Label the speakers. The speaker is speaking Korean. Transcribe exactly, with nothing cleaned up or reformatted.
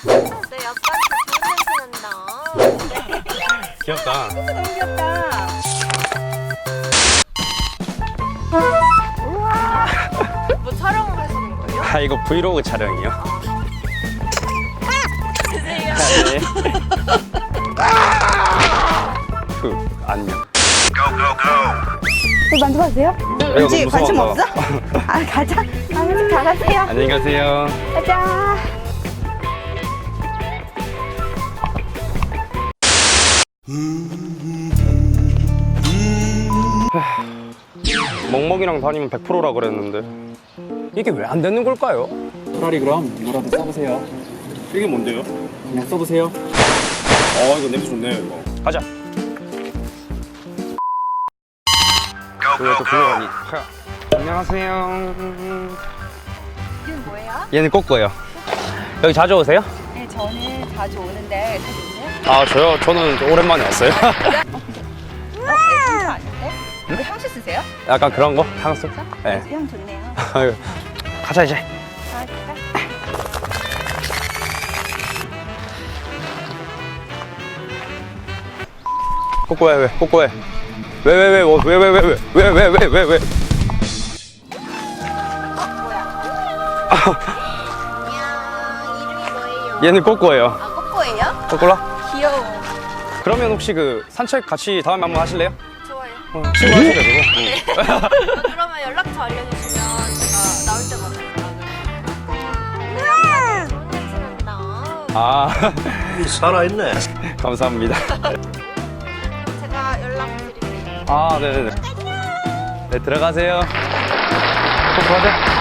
Speaker 1: 내 약간 좋은 냄새 난다.
Speaker 2: 귀엽다.
Speaker 3: 너무 귀엽다.
Speaker 1: 뭐 촬영을 하시는 거예요?
Speaker 2: 아, 이거 브이로그 촬영이요.
Speaker 1: 드세요.
Speaker 2: 네. 그, 안녕.
Speaker 3: 저 만져봐도 돼요?
Speaker 2: 이거
Speaker 3: 왠지
Speaker 2: 너무
Speaker 3: 관심
Speaker 2: 무서워서.
Speaker 3: 없어? 아 가자. 아, 가가세요.
Speaker 2: 안녕히 가세요.
Speaker 3: 가자.
Speaker 2: 멍멍이랑 다니면 백 퍼센트라 그랬는데 이게 왜 안 되는 걸까요?
Speaker 4: 차라리 그럼 이거라도 써보세요.
Speaker 2: 이게 뭔데요?
Speaker 4: 그냥 써보세요.
Speaker 2: 어, 이거 냄새 좋네요, 이거. 가자. 왜또 불러가니? 안녕하세요.
Speaker 3: 이름 뭐예요?
Speaker 2: 얘는 꼬꼬예요. 여기 자주 오세요?
Speaker 3: 네, 저는 자주 오는데 자주 오세요?
Speaker 2: 아, 저요? 저는 오랜만에 왔어요.
Speaker 3: 어, 네, 진짜 아닌데? 왜 향수 쓰세요?
Speaker 2: 약간 그런 거? 향수? 네.
Speaker 3: 향 좋네요.
Speaker 2: 아유, 가자, 이제.
Speaker 3: 아, 진짜?
Speaker 2: 꼬꼬해, 왜? 꼬꼬해. 왜, 왜, 왜, 왜, 왜, 왜, 왜, 왜, 왜, 왜, 왜, 왜.
Speaker 1: 안녕. 이름이 뭐예요?
Speaker 2: 얘는 꼬꼬예요.
Speaker 1: 아, 꼬꼬예요?
Speaker 2: 꼬꼬라?
Speaker 1: 귀여워.
Speaker 2: 그러면 혹시 그 산책 같이 다음에 한번 하실래요?
Speaker 1: 좋아요.
Speaker 2: 어, 친구 하실래요, 그거? 응.
Speaker 1: 아, 그러면 연락처 알려주시면 제가 나올 때마다 연락을. 좋은 냄새 난다.
Speaker 2: 아,
Speaker 5: 살아있네.
Speaker 2: 감사합니다.
Speaker 1: 제가 연락드릴게요.
Speaker 2: 아, 네네네. 네, 들어가세요. 꼬꼬 하자.